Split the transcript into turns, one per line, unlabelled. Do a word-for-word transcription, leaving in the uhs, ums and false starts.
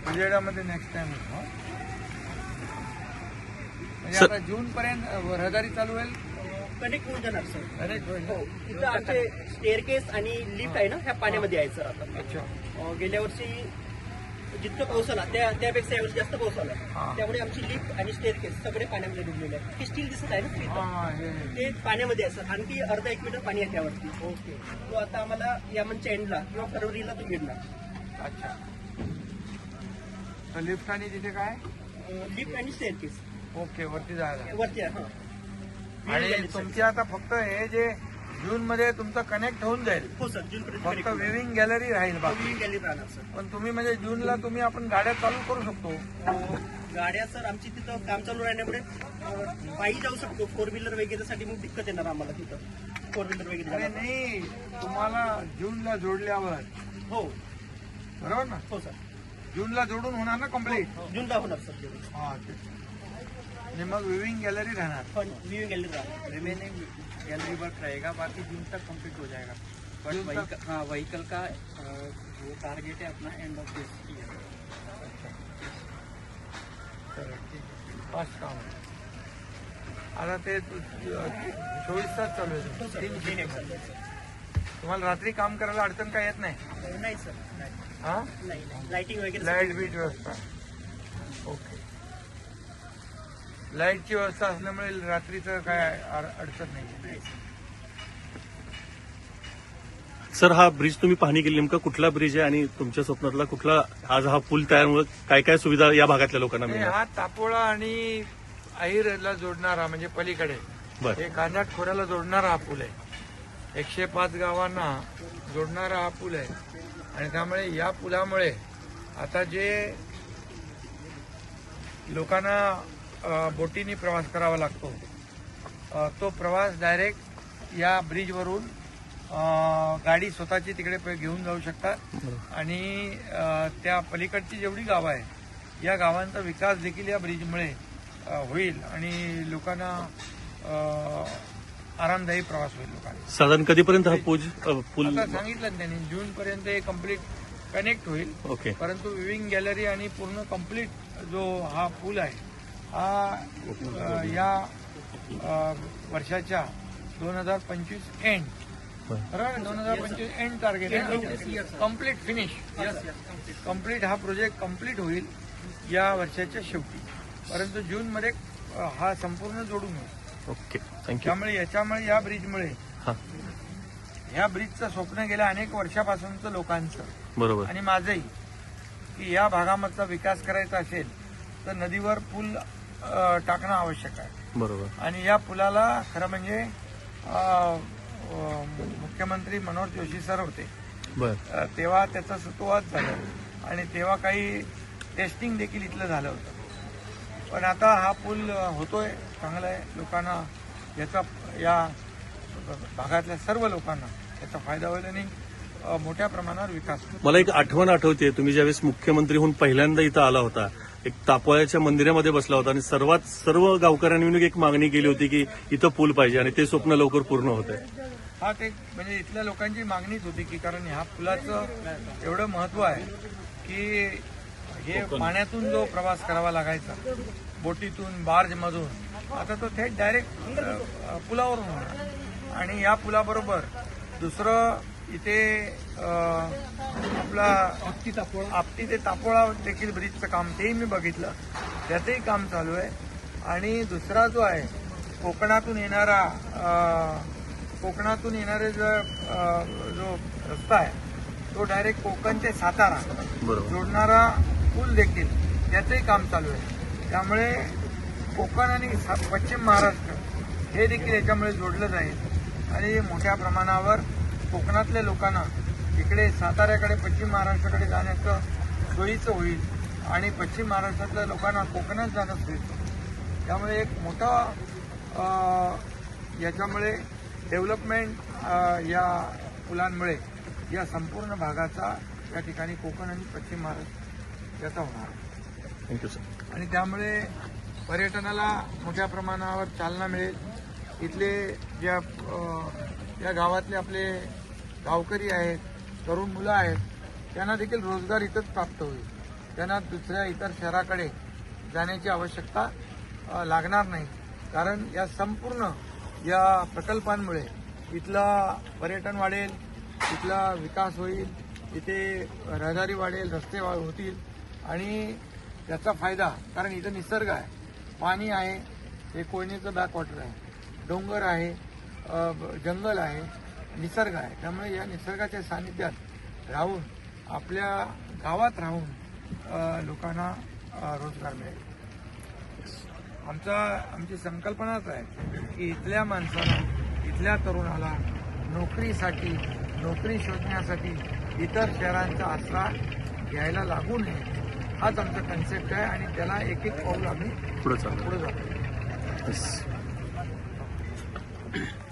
उजेडामध्ये next time म्हणजे आता जून पर्यंत रहदारी चालू होईल.
कनेक्ट होऊन जाणार सर.
कनेक्ट होईल.
हो, तिथं आमचे स्टेअरकेस आणि लिफ्ट आहे ना, ह्या पाण्यामध्ये आहे सर. आता
अच्छा.
अं, गेल्या वर्षी जितकं पाऊस आला त्या त्यापेक्षा यावर्षी जास्त पाऊस आला, त्यामुळे आमची लिफ्ट आणि स्टेअरकेस सगळे पाण्यामध्ये डुबलेले आहेत. हे स्टील दिसत आहे ना तिथं?
हा, हे, हे.
ते पाण्यामध्ये आहे सर. आणखी अर्धा एक मीटर पाणी आहे त्यावरती.
ओके.
तो आता आम्हाला या मंथच्या एंडला किंवा फरवरीला तो मिळणार.
अच्छा. तर लिफ्ट आणि तिथे काय
लिफ्ट आणि स्टेअरकेस
ओके वरती जायला.
वरती आहे. हा.
आणि तुमची आता फक्त हे जे जून मध्ये तुमचं कनेक्ट होऊन जाईल.
हो सर, जून
फक्त
पर्यंत
विविंग गॅलरी राहील बाकी.
गॅलरी राहणार सर.
पण तुम्ही म्हणजे जूनला तुम्ही आपण गाड्या चालू करू शकतो.
गाड्या सर आमची तिथं काम चालू राहण्यामुळे अं, पायी जाऊ शकतो. फोर व्हीलर वगैरेसाठी मग दिक्कत येणार आम्हाला तिथं फोर व्हीलर वगैरे
अरे
जायला.
नाही तुम्हाला जूनला जोडल्यावर
हो
बरोबर ना.
हो सर.
जूनला जोडून होणार ना कम्प्लीट.
जूनला होणार सर तेवढं.
हा ते आणि मग विविंग गॅलरी राहणार.
पण व्ह्यू गॅलरी राहणार.
रिमेनिंग गैलरी वर्क रहेगा, बाकी जून तक कंप्लीट हो जाएगा. बट
जून तक?
व्हीकल हाँ व्हीकल का अ, वो टारगेट है अपना एंड ऑफ दिस ईयर.
चला, ठीक आहे. फास्ट काम आहे. आता ते चोवीस तास चालू आहे.
हो सर.
तीन
तीन एक
shift.
सर.
तुम्हाला रात्री काम करायला अडचण काय येत नाही.
नाही सर. नाही
हा
नाही लाईटिंग वगैरे
लाईट बीट व्यवस्था ओके. लाईटची व्यवस्था असल्यामुळे रात्रीचं काय अड- अडचण नाही.
सर, हा ब्रिज तुम्ही पाहणी केली, नेमका कुठला ब्रिज आहे आणि तुमच्या स्वप्नातला कुठला आज हा पूल तयारमुळे काय काय सुविधा या भागातल्या लोकांना
नाही,
मिळणार?
हा तापोळा आणि अहिरला जोडणारा म्हणजे पलीकडे
बरं.
हे कांजाट खोऱ्याला जोडणारा हा पूल आहे. एकशे पाच गावांना जोडणारा हा पूल आहे. आणि त्यामुळे या पुलामुळे आता जे लोकांना अ, बोटीने प्रवास करावा लागतो अ, तो प्रवास डायरेक्ट या ब्रिजवरून अ, गाडी स्वतःची तिकडे प- घेऊन जाऊ शकतात. आणि अ, त्या पलीकडची जेवढी गावं आहे या गावांचा विकास देखील या ब्रिजमुळे अ, होईल आणि लोकांना अ, आरामदायी प्रवास होईल लोकांना.
साधारण कधीपर्यंत हा पूज अ, पूल
आता सांगितलं ना त्यांनी जून पर्यंत हे कम्प्लीट कनेक्ट होईल.
ओके.
परंतु विविंग गॅलरी आणि पूर्ण कम्प्लीट जो हा पूल आहे हा अ, या अ, वर्षाच्या दोन हजार पंचवीस एंड बरोबर दोन हजार पंचवीस एंड टार्गेट आहे. कम्प्लीट फिनिश कम्प्लीट हा प्रोजेक्ट कम्प्लीट होईल या वर्षाच्या शेवटी. परंतु जून मध्ये अ, हा संपूर्ण जोडून होईल.
Okay, thank you.
त्यामुळे याच्यामुळे या ब्रिजमुळे
हा,
ह्या ब्रिजचं स्वप्न गेल्या अनेक वर्षापासूनचं लोकांचं
बरोबर.
आणि माझंही की या भागामधला विकास करायचा असेल तर नदीवर पूल अ, टाकणं आवश्यक आहे.
बरोबर.
आणि या पुलाला खरं म्हणजे अ, अ, मुख्यमंत्री मनोहर जोशी सर होते
बर.
अ, तेव्हा त्याचं सुतोवाच झालं आणि तेव्हा काही टेस्टिंग देखील इथलं झालं होतं. पण आता हा पूल अ, होतोय चांगला आहे. लोकांना याचा या भागातल्या सर्व लोकांना याचा फायदा होईल आणि अ, मोठ्या प्रमाणावर विकास होईल.
मला एक आठवण आठवते, तुम्ही ज्यावेळेस मुख्यमंत्री होऊन पहिल्यांदा इथं आला होता, एक तापोळ्याच्या मंदिरामध्ये बसला होता आणि सर्वात सर्व गावकऱ्यांनी मिळून एक मागणी केली होती की इथं पूल पाहिजे आणि ते स्वप्न लवकर पूर्ण होत आहे.
हा ते म्हणजे इथल्या लोकांची मागणीच होती की कारण ह्या पुलाचं एवढं महत्व आहे की हे पाण्यातून जो प्रवास करावा लागायचा बोटीतून बार्जमधून आता तो थेट डायरेक्ट पुलावरून होणार. आणि या पुलाबरोबर दुसरं इथे अ, आपला आपटी तापोळा आपटी ते तापोळा देखील ब्रिजचं काम तेही मी बघितलं, त्याचंही काम चालू आहे. आणि दुसरा जो आहे कोकणातून येणारा अ, कोकणातून येणारे जो अ, जो रस्ता आहे तो डायरेक्ट कोकण ते सातारा
बरोबर.
जोडणारा पूल देखील त्याचंही काम चालू आहे. त्यामुळे कोकण आणि सा- पश्चिम महाराष्ट्र हे देखील याच्यामुळे जोडलं जाईल आणि मोठ्या प्रमाणावर कोकणातल्या लोकांना इकडे साताऱ्याकडे पश्चिम महाराष्ट्राकडे जाण्याचं सोयीचं होईल आणि पश्चिम महाराष्ट्रातल्या लोकांना कोकणात जाणं सोयीचं. त्यामुळे एक मोठा अ, याच्यामुळे डेव्हलपमेंट या पुलांमुळे या संपूर्ण भागाचा या ठिकाणी कोकण आणि पश्चिम महाराष्ट्र याचा होणार.
Thank you sir.
आणि त्यामुळे पर्यटनाला मोठ्या प्रमाणावर चालना मिळेल. इथले ज्या अ, या गावातले आपले गावकरी आहेत, तरुण मुलं आहेत, त्यांना देखील रोजगार इथंच प्राप्त होईल. त्यांना दुसऱ्या इतर शहराकडे जाण्याची आवश्यकता अ, लागणार नाही. कारण या संपूर्ण या प्रकल्पांमुळे इथला पर्यटन वाढेल, इथला विकास होईल, इथे रहदारी वाढेल, रस्ते वा- होतील आणि त्याचा फायदा, कारण इथं निसर्ग आहे, पाणी आहे, हे कोयनेचं बॅकवॉटर आहे, डोंगर आहे, अ, जंगल आहे, निसर्ग आहे. त्यामुळे या निसर्गाच्या सानिध्यात राहून आपल्या गावात राहून अ, लोकांना अ, रोजगार मिळेल. आमचा आमची संकल्पनाच आहे की इथल्या माणसाला, इथल्या तरुणाला नोकरीसाठी, नोकरी शोधण्यासाठी इतर शहरांचा आसरा घ्यायला लागू नये, हाच आमचा कन्सेप्ट आहे आणि त्याला एक एक पाऊल आम्ही
पुढे चालू
पुढे जातो.